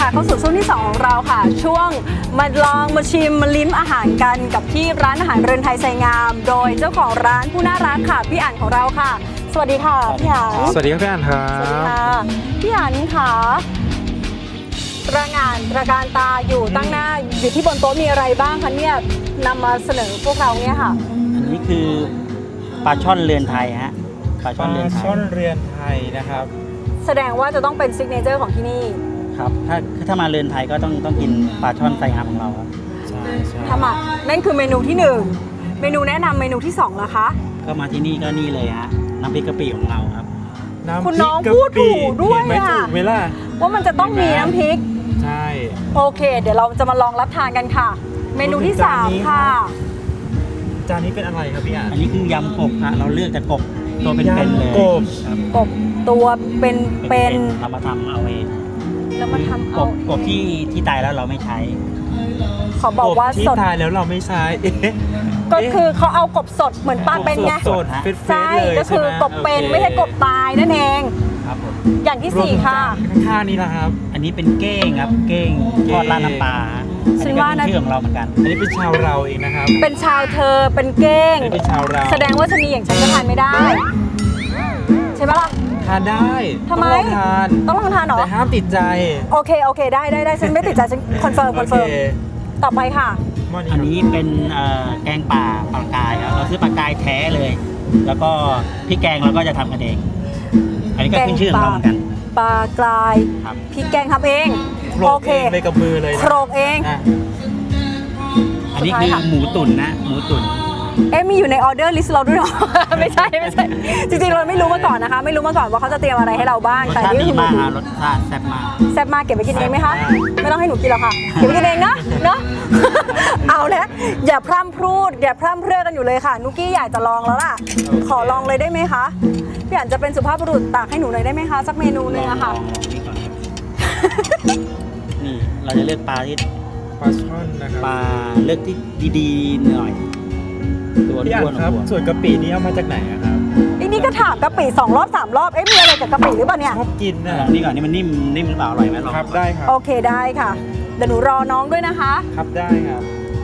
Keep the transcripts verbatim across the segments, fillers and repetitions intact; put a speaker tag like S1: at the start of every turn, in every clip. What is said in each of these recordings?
S1: ค่ะเข้าสู่ช่วงที่สองของเราค่ะช่วงมาลองมาชิมมาลิ้มอาหารกันกับที่ร้านอาหารเรือนไทยไซงามโดยเจ้าของร้านผู้น่ารักค่ะพี่อั๋นของเราค่ะสวัสดีค่ะพี่อั๋น
S2: สวัสดีครับพี่อั๋นครับ
S1: สวัสดีค่ะพี่อั๋นค่ะตระหง่านตระการตาอยู่ตั้งหน้าอยู่ที่บนโต๊ะมีอะไรบ้างคะเนี่ยนำมาเสนอพวกเราเนี่ยค่ะ
S3: อันนี้คือปลาช่อนเรือนไทยฮะปลา
S2: ป
S3: ช่อนเรือน
S2: ลา
S3: ไทย
S2: ช่อนเรือนไทยนะครับ
S1: แสดงว่าจะต้องเป็นซิกเนเจอร์ของที่นี่
S3: ครับถ้าถ้ามาเรือนไทยก็ต้องต้องกินปลาช่อนไซงามของเราครับ
S2: ใช่ใช่
S1: ทำอ่ะนั่นคือเมนูที่หนึ่งเมนูแนะนำเมนูที่สองล่ะคะ
S3: ก็มาที่นี่ก็นี่เลยฮะน้ำพริกกะปิของเราครับ
S2: น้ำ
S1: คุณ
S2: พริ
S1: น้
S2: ก
S1: อง
S2: กะ
S1: พูด
S2: ปิ
S1: ถูกด้วย
S2: เห็นไหม
S1: อะ
S2: ถูกไหมล่ะ
S1: ว่ามันจะต้องมีน้ำพริก
S2: ใช่
S1: โอเค เดี๋ยวเราจะมาลองรับทานกันค่ะ เมนูที่สามค่ะ
S2: จานนี้เป็นอะไรครับพี่อั๋น
S3: อันนี้คือยำกบฮะเราเลือกแต่กบตัวเป็นๆเลย
S2: ยำกบ
S3: ครับ
S1: กบตัวเป็นเป็น
S3: ๆเรามาทำเอาเอง
S1: แล้วมาทำ
S3: ก
S1: เอา
S3: บกบที่ที่ตายแล้วเราไม่ใช้
S1: ขอบอกว่า
S2: ที่
S1: สด
S2: ตายแล้วเราไม่ใช้เอ๊ะ
S1: ก็คือเขาเอากบสดเหมือนปลาเป็นไง
S2: สดๆเฟสๆ
S1: ใช่
S2: เลย
S1: ก็คือ
S2: ใช่ไหม
S1: กบเป็น
S2: โอค
S1: ไม่ใช่กบตายนั่นเอง
S3: ครับผม
S1: อย่างที่
S2: รวม
S1: สี่ค่ะ
S2: ข้างๆนี้นะครับ
S3: อันนี้เป็นเก้งครับเก้งทอดราดน้ำปลาฮะ
S1: ฉั
S3: อัน
S1: น
S3: นี้ก็
S1: ว่า
S3: เป็น
S1: นะ
S3: ชื่อของเราเหมือนกัน
S2: อันนี้เป็นชาวเราเองนะครับ
S1: เป็นชาวเธอเป็นเก้ง
S2: อันนี้เป็นชาวเรา
S1: แสดงว่าชะนีอย่างฉันก็ทานไม่ได้ ใช่ไหมล่ะ
S2: ทานได้
S1: ทำไม
S2: ต้องลองทาน
S1: ต้องลองทานเหรอ
S2: แต่ห้ามติดใจ
S1: โอเคโอเคได้ได้ได้ฉันไม่ติดใจฉันคอนเฟิร์มคอนเฟิร์ม
S2: โอเค
S1: ต่อไปค่ะ
S2: หม้
S3: อันนี้เป็นเอ่อแกงป่าปลากายครับเราซื้อปลากายแท้เลย แล้วก็พริกแกงเราก็จะทำกันเอง อันนี้ก็ขึ้นชื่อของเราเหมือนกัน
S1: ปลากราย
S3: ครับ
S1: พี่แกงทำเอง
S2: โคร
S1: โอก เค
S2: เองเลยกับมือเลยนะ
S1: โครกเอง
S2: อ่ะ
S3: อันนี้คือหมูตุ๋นนะหมูตุ๋น
S1: เอ๊ะมีอยู่ในออเดอร์ลิสต์เราด้วยเหรอ ไม่ใช่ไม่ใช่จริงๆเราไม่รู้มาก่อนนะคะ ไม่รู้มาก่อนว่าเขาจะเตรียมอะไรให้เราบ้าง
S3: รส
S1: แต่
S3: ชาติ
S1: นี่
S3: ดี
S1: คือ
S3: มากฮะรสชาติแซ่บมาก
S1: แซ่บมากเก็บไปกินเองไหมคะไม่ต้องให้หนูกินหรอกค่ะเก็บไปกินเองนะเนาะ เอาแล้วอย่าพร่ำพรูดอย่าพร่ำเพรื่อกันอยู่เลยค่ะนุกกี้อยากจะลองแล้วล่ะขอลองเลยได้ไหมคะพี่อันจะเป็นสุภาพบุรุษตักให้หนูหน่อยได้ไหมคะสักเมนูหนึงอะค่ะ
S3: ลองลองนี่ก่อนครับนี่เราจะเลือกปลาที่
S2: ปลาช่อนนะค
S3: ป
S2: รับ
S3: ลาเลือกที่ดีๆหน่อยตัว
S2: พี่อั๋
S3: อ้วน
S2: น
S3: ๆ
S2: ครับ
S3: ตัว
S2: ส่วนกะปินี่เอามาจากไหนอะครับ
S1: ไอ้นี่ก็ถามกะปิสองรอบสามรอบเอ๊ะมีอะไรกับกะปิหรือเปล่าเนี่ย
S2: ชอบกิน
S3: ล
S2: นะ
S3: องนี่ก่อนนี่มันนิ่มนิ่มหรือเปล่าอร่อยไหมลอง
S2: ครับได้ครับ
S1: โอเคได้ค่ะเดี๋ยวหนูรอน้องด้วยนะคะ
S2: ครับได้ครับ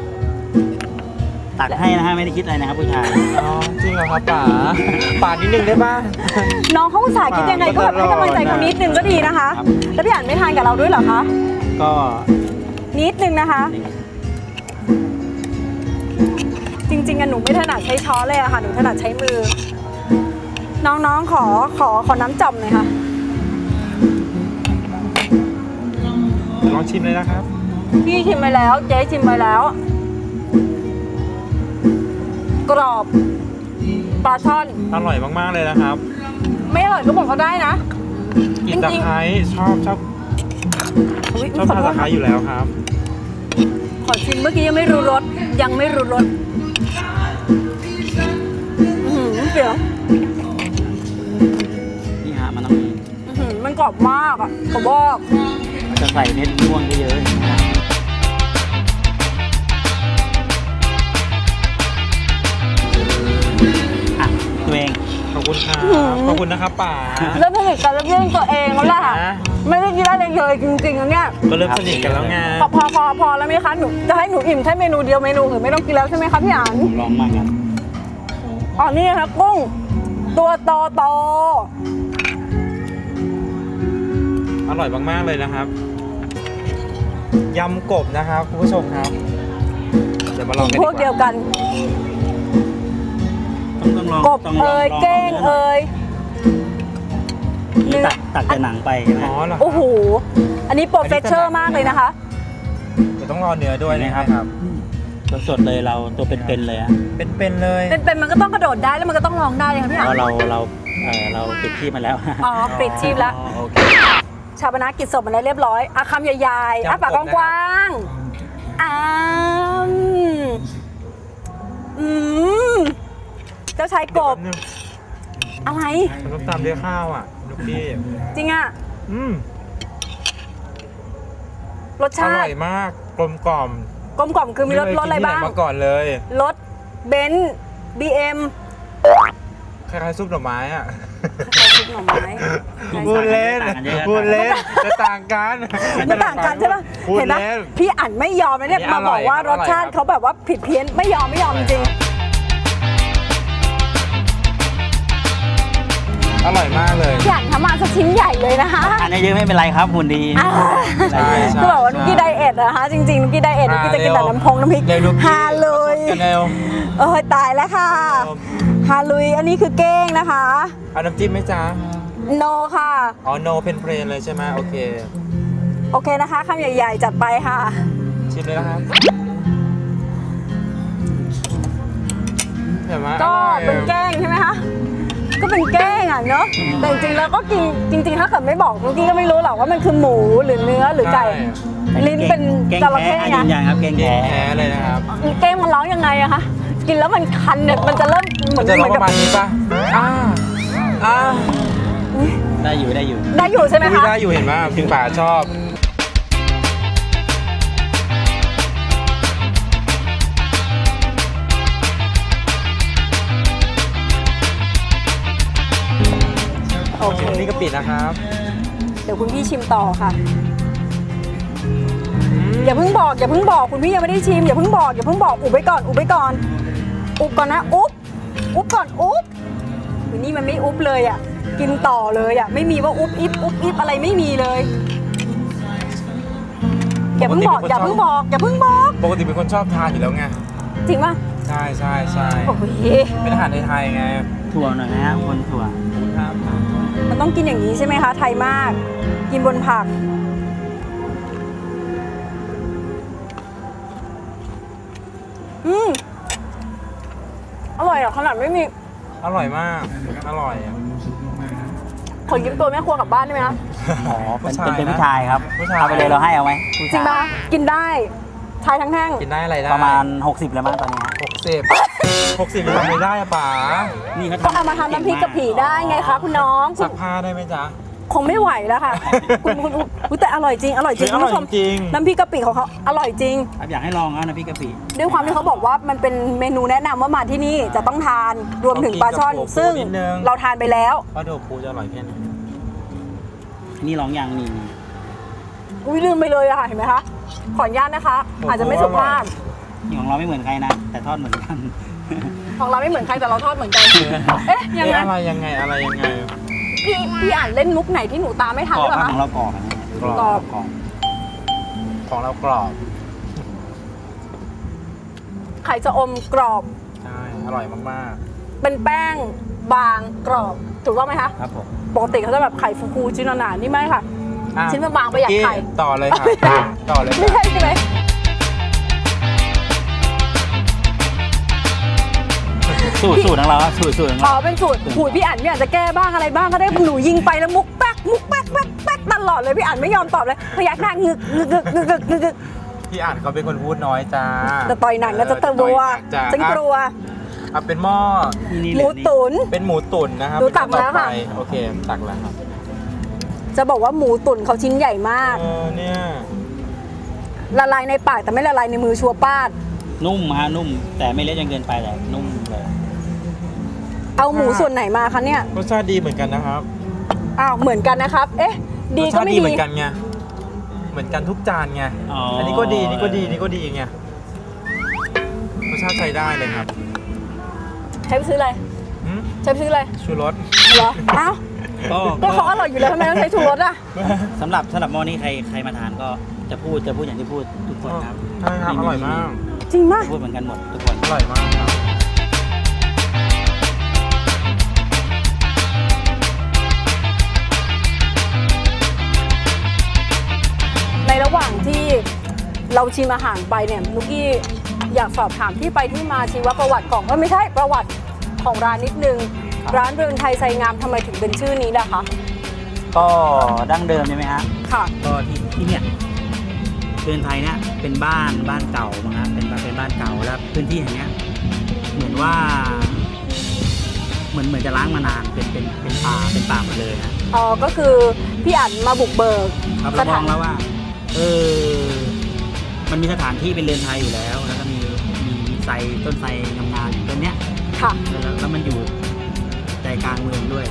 S3: ตักให้นะฮะไม่ได้คิดอะไรนะครับผู้ชาย
S2: อ๋อจริงเหรอครับป๋าป๋านิดนึงได้ป่ะ
S1: น้องเขาอุตส่าห์คิดยังไงก็แบบให้กำลังใจเขานิดนึงก็ดีนะคะ
S3: ครับ
S1: แล้วพี่อันไม่ทานกับเราด้วยเหรอคะ
S3: ก็
S1: นิดนึงนะคะ จริงๆอะหนูไม่ถนัดใช้ช้อนเลยอะค่ะหนูถนัดใช้มือ น้องๆขอขอขอน้ำจ่อมหน่อยค่ะ
S2: ลองชิมเลยนะครับ
S1: พี่ชิมไปแล้วเจ๊ชิมไปแล้ว กรอบปลาช่อน
S2: อร่อยมากๆเลยนะครับ
S1: ไม่อร่อยก็บอกเขาได้นะ
S2: กลินตะ
S1: จริงๆ
S2: ไคร้ชอบชอบ
S1: อุ๊ย
S2: ชอบ
S1: ขอ
S2: ทาน
S1: โท
S2: ตะ
S1: ษ
S2: ไคร้อยู่แล้วครับ
S1: ขอชิมเมื่อกี้ยังไม่รู้รสยังไม่รู้รสอื้อหือเสียว
S3: นี่ฮะมันต้อง
S1: อื้อหือมันกรอบมากอ่ะขอบอก
S3: จะใส่เม็ดม่วงเยอะๆนะครับอ่ะตัวเอง
S2: ขอบคุณครับขอบคุณนะครับป๋า
S1: เริ่มสนิทกันแล้วเรื่องตัวเองแล้วแหละ
S2: นะ
S1: ไม่ได้กินได้เลยเลยจริงๆนะเนี่ย
S2: ก็เริ่มสนิทกันแล้วไง
S1: พอพอพอพอแล้วไหมคะหนูจะให้หนูอิ่มแค่เมนูเดียวเมนูอื่นไม่ต้องกินแล้วใช่ไหมคะพี่อัน
S3: ผมลองมากครับ
S1: อ๋อนี่นะคะกุ้งตัวโตโต
S2: อร่อยมากๆเลยนะครับยำกบนะครับคุณผู้ชมครับเดี๋ยวมาลองกัน
S1: พวกเดียวกัน
S3: ต้องต้องลอง
S1: กบ
S3: ต้องลง
S1: เอ่ย
S3: ลง
S1: เก้งเอ่ย
S3: นี่ตักตักแต่หนังไปใช่ไหม
S2: อ๋อเหรอ
S1: โอ้โหอันนี้โปรเฟสเชอร์มากเลยนะคะ
S2: เดี๋ยวต้องรอเนื้อด้วยนะครับ
S3: สดๆเลยเราตัวเป็นๆเลยฮะ
S2: เป็นๆเลย
S1: เป็นๆมันก็ต้องกระโดดได้แล้วมันก็ต้องร้องได้เลยค่ะพี่
S3: เพ
S1: อัน
S3: ราะเราเราเออเราปิดที่มาแล้ว
S1: อ๋อปิดชีพแล้ว
S2: อ๋อโอเค
S1: ชาปนกิจศพมันได้เรียบร้อยอาคำใหญ่ๆอาปากกว้างๆอ้ามอืมเจ้าชายกบ อะไร
S2: มันต้องตามด้วยข้าวอ่ะลูกพี่
S1: จริงอ่ะ
S2: อืม
S1: รส
S2: อ
S1: ชา
S2: ร่อ
S1: ติ
S2: ยมากกลมกล่อม
S1: กลมกล่อมคือมีรส
S2: เคย
S1: รสอะไร
S2: กินที่หน
S1: บ้าง
S2: มาก่อนเลย
S1: รสเบนซ์บีเอ็ม
S2: คล้ายๆซุปหน่อไม้อ่ะ
S1: ซซุปหน่อไม้ใช่
S2: พูด
S1: ใช่
S2: เล่นพูดเล่นจะต่างกัน
S1: ไม่ต่างกันใช่ปะ
S2: พูด
S1: เห็นไหม
S2: เล่น
S1: พี่อั๋นไม่ยอมนะเนี่ย
S2: นี่
S1: มา
S2: อร่
S1: บ
S2: อ
S1: อย กว่ารสชาติ
S2: อร่อยครับ
S1: เขาแบบว่าผิดเพี้ยนไม่ยอมไม่ยอมจริง
S2: อร่อยมากเลย
S1: ๆพี่อั๋นทำมาสักชิ้นใหญ่เลยนะคะ
S3: อันนี้เยอะไม่เป็นไรครับหุ่นดี
S1: อ่า
S2: ใช่ใช่
S1: คือแบบว่านุกกี้ไดเอทนะคะจริงๆนุกกี้ไดเอทนุกกี้จะกินแต่น้ำพงน้ำพริก
S2: เร็วนุกกี้
S1: ฮาเลย
S2: กันเร็ว
S1: เออตายแล้วค่ะฮาลุยอันนี้คือเก้งนะคะ
S2: เอาน้ำจิ้มไหมจ๊ะ
S1: โนค่ะ
S2: อ๋อโนเพนเพลนเลยใช่ไหมโอเค
S1: โอเคนะคะคำใหญ่ๆ จัดไปค่ะ
S2: ชิมเลยนะครับเห็นไหม
S1: ก็
S2: อร่อย
S1: เป็นแกล้งใช่ไหมคะก็เป็นแกล้งอ่ะเนาะแต่จริงๆแล้วก็กินจริงๆถ้าเกิดไม่บอกนุกกี้ก็ไม่รู้หรอกว่ามันคือหมูหรือเนื้อหรือไก่ ลิ้นเป็น
S3: เก่ง
S1: จระเข้
S3: แท้
S1: ไง
S3: ยืนยันครับเก่ง
S2: เก่
S3: แท้
S2: งแท้เลยนะครับ
S1: เก้งมันร้องยังไงอะคะกินแล้วมันคันเนี่ยมันจะเริ่มเหมื
S2: มั
S1: อน น
S2: จะ
S1: เห
S2: ร้อ
S1: มื
S2: ง
S1: อน
S2: ป
S1: กับ
S2: ระมาณนี้ป่ะอ่าอ่า
S3: ได้อยู่ได้อยู่
S1: ได้อยู่ใช่ไหม
S2: อุ๊ย
S1: คะ
S2: ได้อยู่เห็นไหมพี่ป่าชอบ
S1: โอเค
S2: นี่กะปินะครับ
S1: เดี๋ยวคุณพี่ชิมต่อค่ะ อย่าเพิ่งบอกอย่าเพิ่งบอกคุณพี่ยังไม่ได้ชิมอย่าเพิ่งบอกอย่าเพิ่งบอกอุบไว้ก่อนอุบไว้ก่อนอุบก่อนนะอุบอุบก่อนอุบวันนี้มันไม่อุบเลยอ่ะกินต่อเลยอ่ะไม่มีว่าอุบอิบอุบอิบอะไรไม่มีเลยอย่าเพิ่งบอกอย่าเพิ่งบอกอย่าเพิ่งบอก
S2: ปกติเป็นคนชอบทานอยู่แล้วไง
S1: จริงป่ะ
S2: ใช่ใช่ใช่
S1: โอ้ย
S2: เป็นอาหารไทยๆไง
S3: ถั่วหน่อยนะฮะคนถั่ว
S2: ครับ
S1: มันต้องกินอย่างนี้ใช่ไหมคะไทยมาก กินบนผักอืมอร่อยอ่ะขนาดไม่มี
S2: อร่อยมากอร่อยอะ
S1: ขอยืมตัวแม่ครัวกลับบ้านได้ไหมคะ
S3: อ๋อเป็น
S2: ผู้ชาย
S3: เป็นเป็น
S2: นะ
S3: ผู้ชายครับ
S2: ผู้ชาย
S3: เอาไปเลยเราให้เอาไหมผู้
S1: จริ
S3: ชาง
S1: ปะ
S3: ย
S1: กินได้ชายทั้งแท่ง
S2: กินได้อะไรได้
S3: ประมาณหกสิบแล้วมั้งตอนนี้ฮะ
S2: หกสิบหกสิบทำไม่ได้อะป๋า
S3: นี่เขา
S1: ก็เอามาทำน้ำพริกกะปิได้ไงคะคุณน้องคุ
S2: ซั
S1: ณ
S2: กผ้าได้ไหมจ๊ะ
S1: คงไม่ไหวแล้วค่ะ คุณคุณอุ๊ยแต่อร่อยจริงอร่อยจริง
S2: เฮ้ย
S1: คุณผู้ชม
S2: อร่อยจริง
S1: น้ำพริกกะปิของเขาอร่อยจริง
S3: ครับอยากให้ลองนะน้ำพริกกะปิ
S1: ด้วยความที่เขาบอกว่ามันเป็นเมนูแนะนำว่ามาที่นี่จะต้องทานรวมถึงปลาช่อน ซึ่งเราทานไปแล้ว
S2: เพราะโดปูจะอร่อยแค่ไหน
S3: นี่ลองอย่างนี่
S1: อุ้ยลืมไปเลยอะค่ะเห็นไหมคะขออนุญาตนะคะ อาจจะไม่สุภาพ
S3: นี่ของเราไม่เหมือนใครนะ แต่ทอดเหมือนกัน
S1: ของเราไม่เหมือนใครแต่เราทอดเหมือนกันเอ๊ะยัง
S2: เอ๊ะ
S1: ไง
S2: อะไรยังไงอะไรยังไง
S1: พี่พี่อ่านเล่นมุกไหนที่หนูตามไม่ทัน
S3: ก
S1: ห
S3: ร
S1: รือ อบ เป
S3: ครั
S1: ล่า
S3: บ
S1: คะ
S3: ของเรากรอบอันนี้
S2: กรอบ
S1: กรอบ
S3: กรอบ
S2: ของเรากรอบ
S1: ไข่จะอมกรอบ
S2: ใช่อร่อยมาก
S1: เป็นแป้งบางกรอบถูกต้องไหมคะ
S3: ครับผม
S1: ปกติเขาจะแบบไข่ฟูๆชิ้นหนาๆนี่ไม่ค่ะ
S2: ๆอ่ะ
S1: ชิ้นบางๆประหยัดไข่
S2: กี้ต่อเลยค่ะต่อเลย
S1: ไม่
S2: ค่ะ
S1: ใช่ใช่ไหม
S3: สูตรสูตรของเราครับสูตรสูตรของ
S1: อ๋อ
S3: เรา
S1: เป็นสูตรหูยพี่อ่านพี่อ่านจะแก้บ้างอะไรบ้างก็ได้หนูยิงไปแล้วมุกแป๊กมุกแป๊กแป๊กแป๊กตลอดเลยพี่อ่านไม่ยอมตอบเลยพยักหน้างึกงึกงึกงึกงึกงึกงึก
S2: พี่อ่านเขาเป็นคนพูดน้อยจ้า
S1: แต่ต่อยหนังก็จะเตะบัว
S2: จ้า
S1: ฉันกลัว
S2: อ่ะเป็นหม้อ
S3: นี่
S1: ห
S3: เล
S1: มู
S3: ยนี่
S1: ตุ๋น
S2: เป็นหมูตุ๋นนะครับ
S1: ดูตักมาแล้วค่ะ
S2: เป็นต่อไปโอเคตักแล้วครับ
S1: จะบอกว่าหมูตุ๋นเขาชิ้นใหญ่มาก
S2: เออเนี่ย
S1: ละลายในปากแต่ไม่ละลายในมือชัวร์ป้าด
S3: นุ่มฮะนุ่ม แต่ไม่เละจนเกินไปแต่นุ่มเลย
S1: เอาหมูส่วนไหนมาคะเนี่ย
S2: รสชาติดีเหมือนกันนะครับ
S1: อ้าวเหมือนกันนะครับ เอ๊ะ ดี
S2: รส
S1: ก็
S2: ชาติ
S1: ไม่
S2: ดี
S1: ดี
S2: เหมือนกันไงเหมือนกันทุกจานไง
S3: อ๋ออั
S2: อันนี้ก็ดีนี่ก็ดีนี่ก็ดีไงรสชาติใช้ได้เลยครับ
S1: ใช้ไปซื้ออะไร
S2: หืม
S1: ใช้ไปซื้ออะไร
S2: ชูรส
S1: เหรออ้าว
S3: ก็
S1: ก็เขาอร่อยอยู่แล้วทำไมต้องใช้ชูรสอ่ะ
S3: สำหรับสำหรับหม้อนี้ใครใครมาทานก็จะพูดจะพูดอย่างที่พูดทุกคนครับ
S2: ใช่ครับอร่อยมาก
S1: จริงมาก
S3: พูดเหมือนกันหมดทุกคน
S2: อร่อยมากครับ
S1: ในระหว่างที่เราชิมอาหารไปเนี่ยนุกกี้อยากสอบถามที่ไปที่มาชีวประวัติของเอ้ยไม่ใช่ประวัติของร้านนิดนึง ร้านเรือนไทยไซงามทำไมถึงเป็นชื่อนี้ล่ะคะ
S3: ก็ดั้งเดิมใช่ไหมฮะ
S1: ค่ะ
S3: ก็ที่ที่เนี่ยเรือนไทยเนี่ยเป็นบ้านบ้านเก่ามั้งฮะเป็นเป็นบ้านเก่าแล้วพื้นที่แห่งเนี้ยเหมือนว่า เหมือนเหมือนจะล้างมานานเป็นเป็นเป็นป่าเป็นป่าหมดเลยฮะ
S1: อ๋อ ก็คือพี่อั๋นมาบุกเบิก
S3: ครับ
S1: ส
S3: เราม
S1: ถา
S3: อน งแล้วว่า เออ มันมีสถานที่เป็นเรือนไทยอยู่แล้ว แล้วก็มีมีมีไทรต้นไทรงามๆอยู่ต้นเนี้ย
S1: ค่ะ
S3: แล้วแล้วมันอยู่ใจกลางเมืองด้วย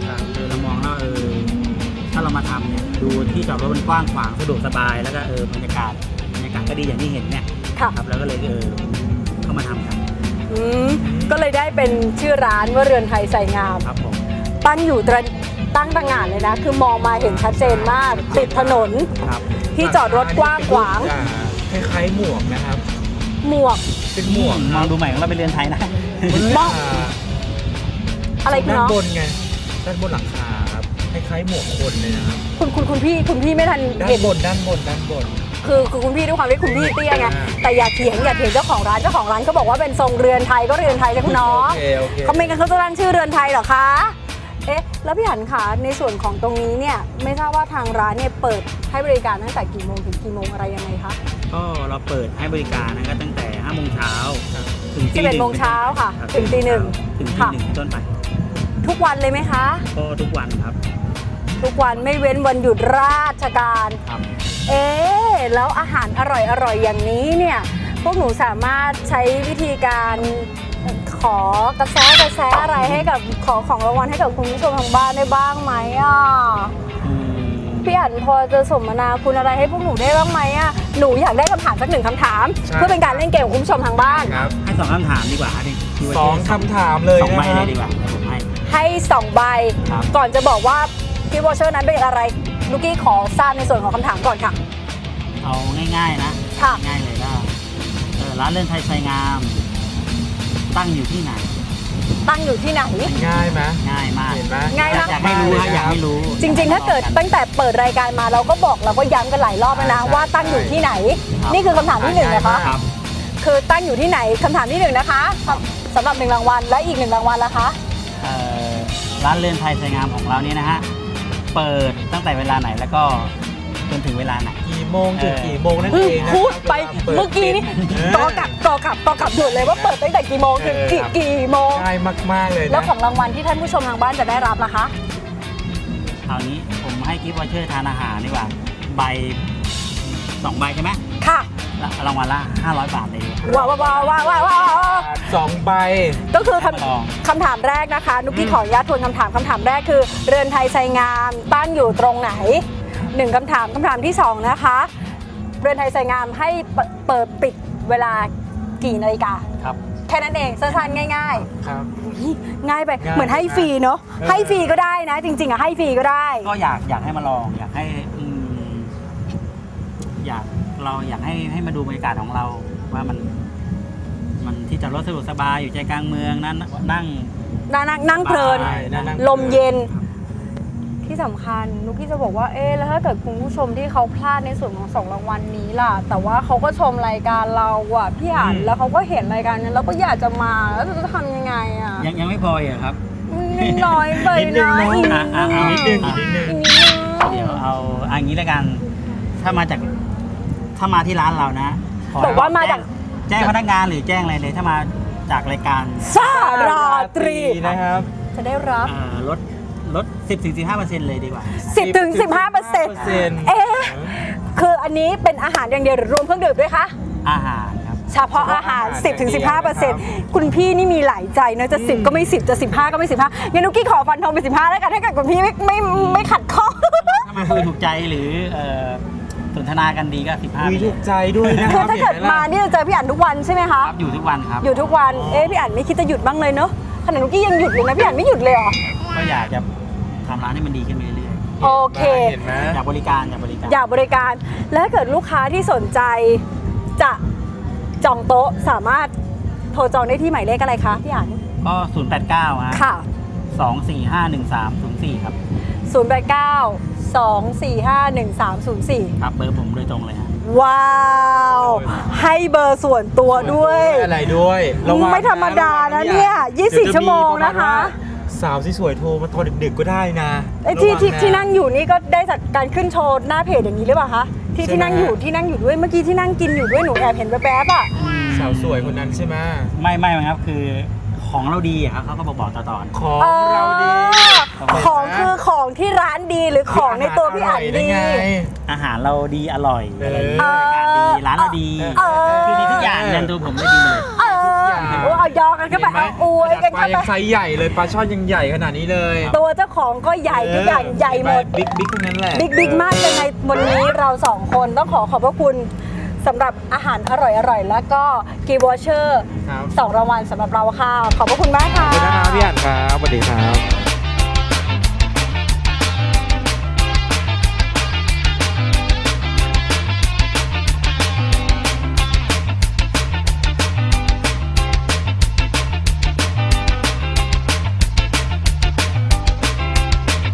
S2: ครับ
S3: เออเรามองแล้วเออถ้าเรามาทำเนี่ยดูที่จอดรถมันกว้างขวางสะดวกสบายแล้วก็เออบรรยากาศบรรยากาศก็ดีอย่างที่เห็นเนี่ย
S1: ค่ะ
S3: ครับแล้วก็เลยเออเข้ามาทำกัน
S1: อืมก็เลยได้เป็นชื่อร้านว่าเรือนไทยใส่งาม
S3: ครับผม
S1: ตั้งอยู่ตระตั้งตระหง่านเลยนะ คือมองมาเห็นชัดเจนมากติดถนน
S3: ครับ
S1: ที่จอดรถกว้างขวาง
S2: คล้ายๆหมวกนะครับ
S1: หมวก
S2: เป็นหมวก
S3: มองดูใหม่ของเราเป็นเรือนไทยนะ
S1: บ้อง อะไรคุณ
S2: ด้าน
S1: เนาะ
S2: บนไงด้านบนหลังคาครับคล้ายๆหมวกคนเลยนะครับ
S1: คุณคุณคุณพี่คุณพี่ไม่ทัน
S2: ด้าน
S1: เห็น
S2: บนด้านบนด้านบน
S1: คือคือคุณพี่ด้วยความที่คุณพี่เตี้ยไง
S2: อ่า
S1: แต่อย่าเถียงอย่าเถียงเจ้าของร้านเจ้าของร้านเขาบอกว่าเป็นทรงเรือนไทยก็เรือนไทยใช่คุณน้อง
S2: โอเคโอเค
S1: เขาไม่กันเขาจะตั้งชื่อเรือนไทยเหรอคะ เอ๊ะ แล้วพี่หันคะในส่วนของตรงนี้เนี่ยไม่ทราบว่าทางร้านเนี่ยเปิดให้บริการตั้งแต่กี่โมงถึงกี่โมงอะไรยังไงคะ
S3: ก็เราเปิดให้บริการนะครับตั้งแต่ห้าโมงเช้าถึงตี
S1: สิบเอ็ดโมงเช้าค่ะ
S3: รับ
S1: ถึงตีหนึ่ง
S3: ถึงตี
S1: ค่ะ
S3: หนึ่งเป็นต้นไป
S1: ทุกวันเลยไหมคะ
S3: ก็ทุกวันครับ
S1: ทุกวันไม่เว้นวันหยุดราชการ
S3: ครับ
S1: เอ๊ะแล้วอาหารอร่อยอร่อยอย่างนี้เนี่ยพวกหนูสามารถใช้วิธีการขอกระแสกระแสอะไรให้กับขอของรางวัลให้กับคุณผู้ชมทางบ้านได้บ้างไหมอ่ะ
S3: อืม
S1: พี่อั๋นพอจะสมนาคุณอะไรให้พวกหนูได้บ้างไหมอ่ะหนูอยากได้คำถามสักหนึ่งคำถาม
S2: ใช่
S1: เพื่อเป็นการเล่นเกมของคุณผู้ชมทางบ้าน
S2: ครับ
S3: ให้สองคำถามดีกว่าดิที่ว่า
S2: สองคำถามเลย
S3: สอง
S2: นะ
S3: ใบ
S2: ค
S3: เล
S2: รับ
S3: ยดีกว่าเดี๋ยวผมให้
S1: ให้สองใบ
S3: ครับ
S1: ก่อนจะบอกว่ากิฟต์วอเชอร์นั้นเป็นอะไรลูกกี้ขอทราบในส่วนของคำถามก่อนค่ะ
S3: เอาง่ายๆนะ
S1: ค่ะ
S3: ง่ายเลยก็เออร้านเรือนไทยไซงาม ตั้งอยู่ที่ไหน
S1: ตั้งอยู่ที่ไหน
S2: ง่ายไหม
S3: ง่ายมาก
S2: เห็นไหม
S1: ง่ายมาก
S3: อยากให้รู้ฮะอยากให้รู้
S1: จริงๆ ถ้าเกิดตั้งแต่เปิดรายการมาเราก็บอกเราก็ย้ำกันหลายรอบแล้วนะ
S2: ใช่
S1: ว่าตั้งอยู่ที่ไหน
S3: ครับ
S1: นี่คือคำถามที่หนึ่งนะคะ
S3: ครับ
S1: คือตั้งอยู่ที่ไหนคำถามที่หนึ่งนะคะสำหรับหนึ่งรางวัลและอีกหนึ่งรางวัลละคะ
S3: เอ่อร้านเรือนไทยไซงามของเราเนี่ยนะฮะ เปิดตั้งแต่เวลาไหนแล้วก็จนถึงเวลาไหน
S2: กี่โมงถึง
S3: เออ
S2: กี่โมงนั่น
S1: อื
S2: เอ
S1: ม
S2: งนะครับ
S1: พูดไป
S2: วลาปิ
S1: เมื่อกี้นี่
S2: เ
S1: กอกลับกอกลับกอกลับหยุดเลยว่าเปิดตั้งแต่กี่โมงถึงกี่
S2: เออครับ
S1: กี่โมง
S2: ง่ายมากๆเลย
S1: แล้ว
S2: นะ
S1: ของรางวัลที่ท่านผู้ชมทางบ้านจะได้รับล่ะคะ
S3: คราวนี้ผมให้กิฟต์วอเชอร์ทานอาหารดีกว่า ใบสองใบใช่ไหม
S1: ค่ะ
S3: แล้วรางวัลละห้าร้อยบาทเลย
S1: ว้าวว้าวว้าวว้าวว้าวว้าว
S2: สองใบ
S1: ก็คือค
S3: มาลอง
S1: ำคำถามแรกนะคะ นุกกี้
S2: อืม
S1: ขออนุญาตทวนคำถามคำถามแรกคือ เรือนไทยไซงามตั้งอยู่ตรงไหนหนึ่งคำถามคำถามที่สองนะคะ เรือนไทยไซงามให้เปเปิดปิดเวลากี่นาฬิกา
S3: ครับ
S1: แค่นั้นเองสั้นๆง่าย
S2: ครับ
S1: ๆ ง่ายไป
S2: ง่าย
S1: เหมือนให้ฟรีเนาะ
S2: เออ
S1: ให้ฟรีก็ได้นะ จริงๆอะให้ฟรีก็ได้
S3: ก็อยากอยากให้มาลอง อยากให้อืมอยากเราอยากให้ให้มาดูบรรยากาศของเราว่ามัน มันที่จอดรถสะดวกสบายอยู่ใจกลางเมืองนั้นนั่ง
S1: นั่งนั่งนั่งเพลิน
S2: ใช่นั่งนั่ง
S1: ลมเย็นที่สำคัญนุกกี้จะบอกว่าเอ๊ะแล้วถ้าเกิดคุณผู้ชมที่เขาพลาดในส่วนของสองรางวัลนี้ล่ะ แต่ว่าเขาก็ชมรายการเราอะพี่อ่าน
S2: อืม
S1: แล้วเขาก็เห็นรายการนั้นแล้วก็อยากจะมาแล้วจะทำยังไงอะ
S3: ยังยังไม่พออีกเหรอครับ
S1: นิดน้อยไป
S2: นิดนึง
S1: นะ
S2: เนอะ
S1: อีก
S3: อ่ะอ่ะอ่ะ
S2: นิดนึงอีกนิดนึง
S1: อีกนิดนึง
S3: เดี๋ยวเอาอันนี้แล้วกัน ถ้ามาจาก ถ้ามาที่ร้านเรานะขอ
S1: บอกว่ามาจาก
S3: แจ้งแจ้งพนักงานหรือแจ้งอะไรเลย ถ้ามาจากรายการ
S1: สาราตรี
S2: นะครับ
S1: จะได้รับ
S3: เอ่อลดลด สิบถึงสิบห้าเปอร์เซ็นต์ เลยดีกว่า
S1: สิบถึงสิบห้าเปอร์เซ็นต์
S2: 15%
S1: เอ๊ะคืออันนี้เป็นอาหารอย่างเดียวหรือรวมเครื่องดื่มด้วยคะ
S3: อาหารครับ
S1: เฉพาะอาหาร
S2: เฉพาะอาหาร
S1: สิบถึงสิบห้าเปอร์เซ็นต์
S2: อย่างเดียวนะครับ
S1: คุณพี่นี่มีหลายใจนะจะ
S2: อืม
S1: สิบก็ไม่สิบจะสิบห้าก็ไม่สิบห้างั้นนุกกี้ขอฟันธงเป็นสิบห้าแล้วกันถ้าเกิดคุณพี่ไม่ไม่ไม่ขัดข้อง
S3: ถ้ามาคุยถูกใจหรือเอ่อสนทนากันดีก็ สิบห้า
S2: คุยถูกใจด้วยนะค
S1: คือ
S2: รับ
S1: ถ้าเกิด
S2: ห็นไห
S1: มานี่จะเจอพี่อั๋นทุกวันใช่ไหมคะ
S3: ครับอยู่ทุกวันครับ
S1: อยู่ทุกวัน เอ๊ะพี่อั๋นไม่คิดจะหยุดบ้างเลยเนอะขนาดนุกกี้ยังหยุดเลยนะพี่อั๋นไม่หยุดเลยเหรอ
S3: ก็อยากจะทำร้านให้มันดีขึ้นไปเรื่อย
S1: โอเค
S2: เห็นไหม
S3: ๆอยากบริการอยากบริการ
S1: อยากบริการ และถ้าเกิดลูกค้าที่สนใจจะจองโต๊ะสามารถโทรจองได้ที่หมายเลขอะไรคะพี่อั๋น
S3: ก็ ศูนย์ แปด เก้า ฮะ
S1: ค่ะ
S3: สอง สี่ ห้า หนึ่ง สาม ศูนย์ สี่ ครับ
S1: ศูนย์ แปด เก้า สอง สี่ ห้า หนึ่ง สาม ศูนย์ สี่
S3: ครับเบอร์ผมโดยตรงเลยฮะ
S1: ว้าว ให้เบอร์ส่วนตัวด้วย
S2: อะไรด้วยระวัง
S1: ไม่ธรรมดานะเนี่ยยี่สิบสี่
S2: เดี๋ย
S1: ชั่วโมง
S2: จ
S1: นะคะ
S2: ปรมาณว่าสาวที่สวยโทรมาตอนดึกๆก็ได้นะ
S1: ไอ้ที่
S2: ระวั
S1: ที่
S2: นะ
S1: ที่นั่งอยู่นี่ก็ได้จากการขึ้นโชว์หน้าเพจอย่างนี้หรือเปล่าคะที่
S2: ใช่
S1: ที่
S2: ไหม
S1: นั่งอยู่ที่นั่งอยู่ด้วยเมื่อกี้ที่นั่งกินอยู่ด้วยหนูแอบเห็นแวบๆอ่ะ
S2: สาวสวยคนนั้นใช่ไหม
S3: ไม่ไม่ครับคือของเราดีอะครับเขาก็บอกบอกต่อๆ
S2: ของ
S1: เออ
S2: เราดี
S1: ของคือของที่ร้านดีหรือของในตัวพี่อั๋นดี
S2: ร่ยไง
S3: อาหารเราดีอร่อย
S2: เออ
S3: อะไรอย่างเงี้ยบรรยากาศดีร้านเราดี
S1: เออ
S3: คือดีทุกอย่างยันตัวผมได้ดีหมดเลย
S1: เออ
S2: ทุกอย่าง
S1: โอ้เอายอกันเข้าไปเอาอวยกัน
S2: ปลา
S1: เข้า
S2: ยั
S1: ไป
S2: งไซส์ใหญ่เลยปลาช่อนยังใหญ่ขนาดนี้เลย
S1: ตัวเจ้าของก็ใหญ่ทุกอย่างใหญ่หมด
S2: บิ๊กบิ๊กทั้งนั้นแหละ
S1: บิ๊กบิ๊กมากยังไงวันนี้เราสองคนต้องขอขอบพระคุณสำหรับอาหารอร่อยๆ แล้วก็กีวอเชอร์
S2: ครับ
S1: สองรางวัลสำหรับเราค่ะ ขอบพระคุณมากค่ะ
S2: ขอบคุณนะครับพี่อันครับสวัสดีครับ